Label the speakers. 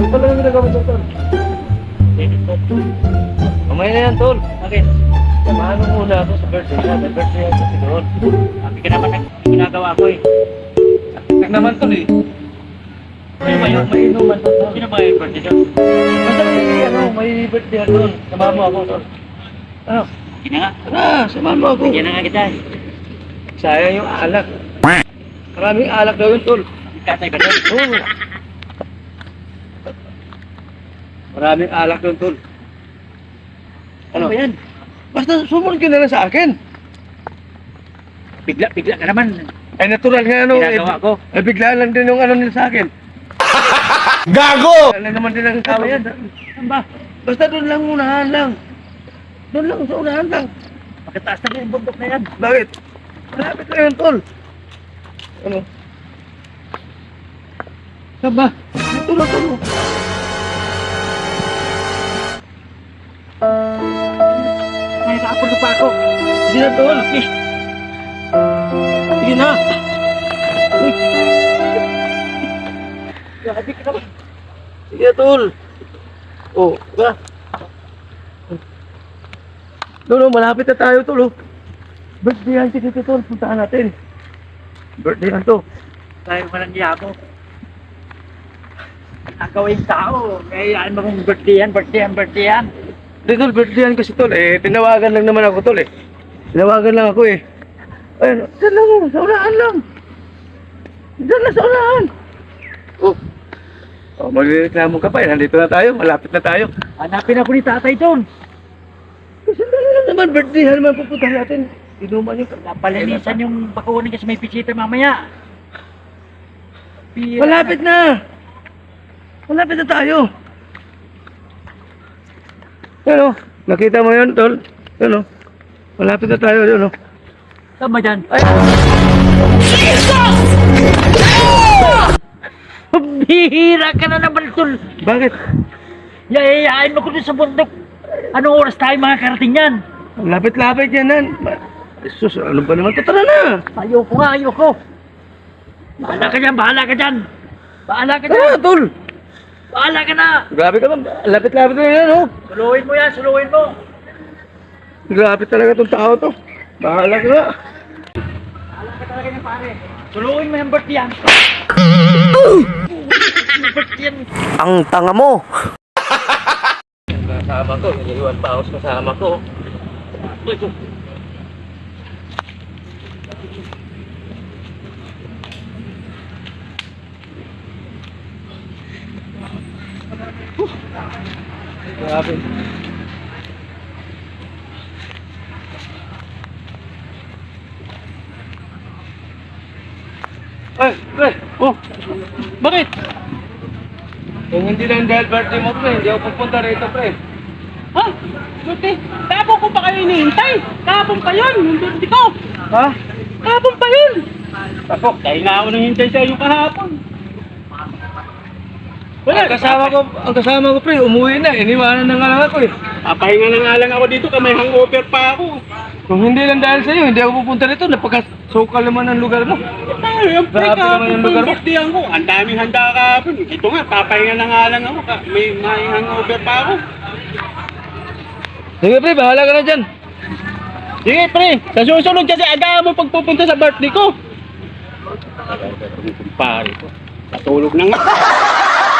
Speaker 1: Talagang ginagawa mo, tol. Mamaya na yan, tol.
Speaker 2: Bakit?
Speaker 1: Samahan mo muna ako sa birthday niya. May birthday ako si Tol.
Speaker 2: Sabi ka naman ng ginagawa ko eh.
Speaker 1: Tek naman, tol eh.
Speaker 2: Sino ba yun?
Speaker 1: May inuman, tol.
Speaker 2: Sino ba yung birthday doon?
Speaker 1: Basta may birthday ako doon. Samahan mo ako, tol. Ano?
Speaker 2: Sige na nga.
Speaker 1: Tara, samahan mo ako.
Speaker 2: Bigyan na nga kita eh.
Speaker 1: Sayang yung alak. Maraming alak daw yun, tol.
Speaker 2: Katay ba doon?
Speaker 1: Oo. Maraming alak doon, tol.
Speaker 2: Ano ba yan?
Speaker 1: Basta sumunod ka na lang sa akin.
Speaker 2: Bigla ka naman.
Speaker 1: Ay, natural nga ano.
Speaker 2: Ginagawa ko.
Speaker 1: Eh, bigla lang din yung ano nila sa akin.
Speaker 3: Gago!
Speaker 1: Ano naman din ang tao yan.
Speaker 2: Saan ba?
Speaker 1: Basta doon lang unahan lang. Doon lang sa unahan lang.
Speaker 2: Pagkataas na yung bundok na yan.
Speaker 1: Bakit? Malapit na yun, tol. Ano? Saan ba? Ito na, tol.
Speaker 2: Ay, nakapon na pa ako.
Speaker 1: Sige na, tol. Sige na. Uy.
Speaker 2: Grabe ka naman.
Speaker 1: Sige na, tol. Oh, ba? Tol, malapit na tayo, tol. Birthday yan si Tito, tol. Puntaan natin. Birthday yan to.
Speaker 2: Tayo ka ng yabo. Nakawing tao. Kaya mo kung birthday yan.
Speaker 1: Hindi, tol, birthday yan kasi, tol. Eh, tinawagan lang naman ako, tol, eh. Tinawagan lang ako, eh. Ayun, dyan lang, sa unahan lang. Dyan lang sa unahan. Oh. Oh, magreklamo ka pa, eh. Nandito na tayo, malapit na tayo.
Speaker 2: Hanapin ako ni tatay doon.
Speaker 1: Kasi lang naman, birthday yan naman pupunta natin. Inuman yung...
Speaker 2: Napalinisan yung bakunin kasi may pisita mamaya.
Speaker 1: Malapit na! Malapit na tayo. Ano? Nakita mo yun, tol? Ano? Malapit na tayo, ano?
Speaker 2: Saan ba dyan?
Speaker 1: Ay!
Speaker 2: Bihira ka na naman, tol.
Speaker 1: Bakit?
Speaker 2: Yayayain mo ko dun sa bundok. Anong oras tayo makakarating yan?
Speaker 1: Lapit-lapit yan, nan. Jesus, ano ba naman? Tara na!
Speaker 2: Ayoko nga, ayoko. Bahala ka dyan.
Speaker 1: Tara, tol!
Speaker 2: Bahala ka na.
Speaker 1: Grabe ka ba? Lapit-lapit na yan, oh.
Speaker 2: Suluhin mo yan.
Speaker 1: Grabe talaga tong tao to. Bahala ka nga.
Speaker 2: Bahala ka talaga niya, pare. Suluhin mo yung birthday yan. Birthday yan.
Speaker 3: Ang tanga mo!
Speaker 1: Kasama ko, niliwan pa ako sa kasama ko. Grabe. Ay, pre! Oh! Bakit? Kung hindi lang dahil birthday mo, pre, hindi ako pupunta rito, pre.
Speaker 4: Ha? Buti, kahapon ko pa kayo hinihintay. Kahapon pa yun, yung birthday ko.
Speaker 1: Ha?
Speaker 4: Kahapon pa yun.
Speaker 1: Ako,
Speaker 4: Dahil nga ako nanghintay sa iyo kahapon. Wala,
Speaker 1: ang kasama ko, pre, umuwi na. Iniwanan na nga lang ako, eh.
Speaker 4: papahinga na nga lang ako dito, may hangover pa ako.
Speaker 1: Kung hindi lang dahil sa'yo, hindi ako pupunta rito. Napaka-sokal naman ang lugar mo.
Speaker 4: Tayo, yung pre,
Speaker 1: Grabe naman
Speaker 4: kahapon
Speaker 1: yung
Speaker 4: pa
Speaker 1: lugar
Speaker 4: yung
Speaker 1: mo.
Speaker 4: birthday ko. Ang daming handa kahapon. Ito nga, papahinga na nga lang ako. May hangover pa ako.
Speaker 1: Sige, pre, bahala ka na dyan.
Speaker 4: Sige, pre, sa susunod kasi agahan mo pagpupunta sa birthday ko. Kumpare ko. Natulog na nga.